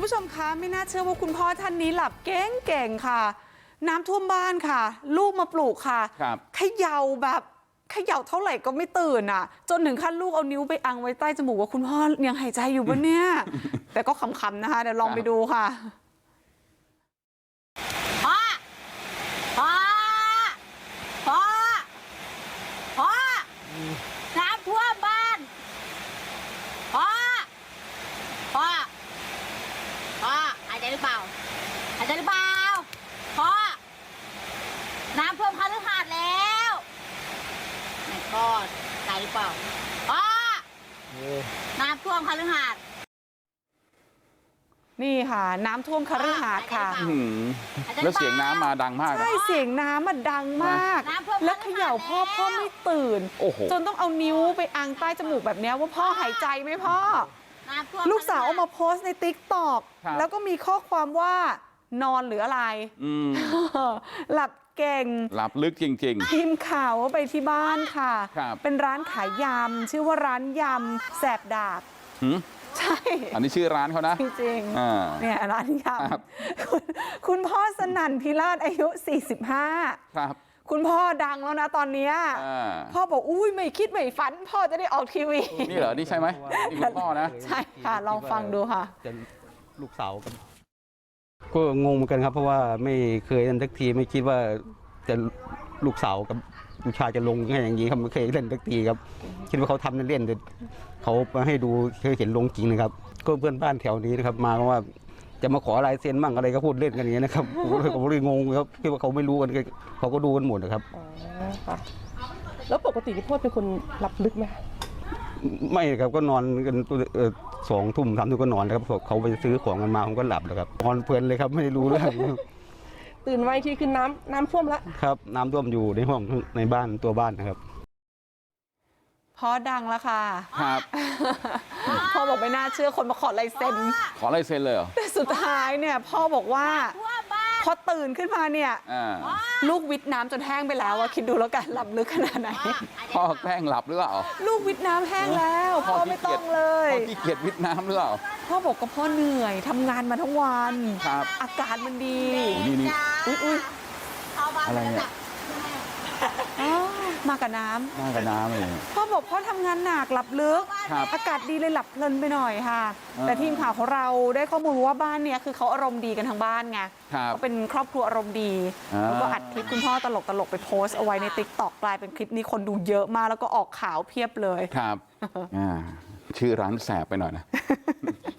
ผู้ชมคะไม่น่าเชื่อว่าคุณพ่อท่านนี้หลับเก่งค่ะ น้ำท่วมบ้านค่ะ ลูกมาปลูกค่ะเขย่าแบบเขย่าเท่าไหร่ก็ไม่ตื่นอ่ะจนถึงขั้นลูกเอานิ้วไปอังไว้ใต้จมูกว่าคุณพ่อยังหายใจอยู่ปะเนี่ย แต่ก็ขำๆนะคะเดี๋ยวลองไปดูค่ะพ่อพ่อพ่อพ่อน้ำท่วมบ้านพ่อพ่อพ่อหายใจหรือเปล่าหายใจหรือเปล่าพ่อน้ำท่วมคฤหาสน์แล้วไม่ก็ใจหรือเปล่าพ่อน้ำท่วมคฤหาสน์นี่ค่ะน้ำท่วมคฤหาสน์ค่ะแล้วเสียงน้ำมาดังมากใช่เสียงน้ำมันดังมากแล้วเขย่าพ่อไม่ตื่นจนต้องเอานิ้วไปอังใต้จมูกแบบนี้ว่าพ่อหายใจไหมพ่อลูกสาวเอามาโพสต์ในติ๊กต็อกแล้วก็มีข้อความว่านอนหรืออะไรหลับเก่งหลับลึกจริงๆทีมข่าวไปที่บ้านค่ะเป็นร้านขายยำชื่อว่าร้านยำแสบดาบใช่อันนี้ชื่อร้านเขานะจริงๆเนี่ยร้านยำคุณพ่อสนั่นพิราชอายุ45 ครับคุณพ่อดังแล้วนะตอนนี้พ่อบอกอุ้ยไม่คิดไม่ฝันพ่อจะได้ออกทีวีนี่เหรอนี่ใช่ไหมนี่คุณพ่อนะใช่ค่ะลองฟังดูค่ะลูกสาวกันก็งงเหมือนกันครับเพราะว่าไม่เคยเล่นสักทีไม่คิดว่าจะลูกสาวกับลูกชายจะลงง่ายอย่างนี้ครับไม่เคยเล่นสักทีครับคิดว่าเขาทำเล่นๆแต่เขามาให้ดูเคยเห็นลงจริงนะครับก็เพื่อนบ้านแถวนี้นะครับมาว่าจะมาขอลายเซ็นมั่งอะไรก็พูดเล่นกันอย่างนี้นะครับผมเลยงงครับคิดว่าเขาไม่รู้กันเขาก็ดูกันหมดนะครับแล้วปกติพี่พ่อเป็นคนหลับลึกไหมไม่ครับก็นอนกัน2 ทุ่ม3 ทุ่มก็นอนครับเขาไปซื้อของกันมาผมก็หลับแล้วครับนอนเพลินเลยครับไม่ได้รู้เรื่องตื่นไวทีคือน้ำท่วมแล้วครับน้ำท่วมอยู่ในห้องในบ้านตัวบ้านนะครับพ่อดังแล้วค่ะครับพ่อบอกไม่น่าเชื่อคนมาขอลายเซ็นขอลายเซ็นเลยเหรอแต่สุดท้ายเนี่ยพ่อบอกว่าพอตื่นขึ้นมาเนี่ยลูกวิทน้ำจนแห้งไปแล้วว่าคิดดูแล้วกันหลับลึกขนาดไหนพ่อแกล้งหลับหรือเปล่าลูกวิทน้ำแห้งแล้วพ่อไม่ต้องเลยพ่อขี้เกียจวิทน้ำหรือเปล่าพ่อบอกก็พ่อเหนื่อยทำงานมาทั้งวันอากาศมันดีนี่อุ้ยอะไรเนี่ยมากับน้ำเลยพ่อบอกพ่อทำงานหนักหลับลึกอากาศดีเลยหลับเพลินไปหน่อยค่ะแต่ทีมข่าวของเราได้ข้อมูลว่าบ้านเนี้ยคือเขาอารมณ์ดีกันทั้งบ้านไงเขาเป็นครอบครัวอารมณ์ดีแล้วก็อัดคลิปคุณพ่อตลกไปโพสต์เอาไว้ในติ๊กต็อกกลายเป็นคลิปนี้คนดูเยอะมากแล้วก็ออกข่าวเพียบเลยครับชื่อร้านแสบไปหน่อยนะ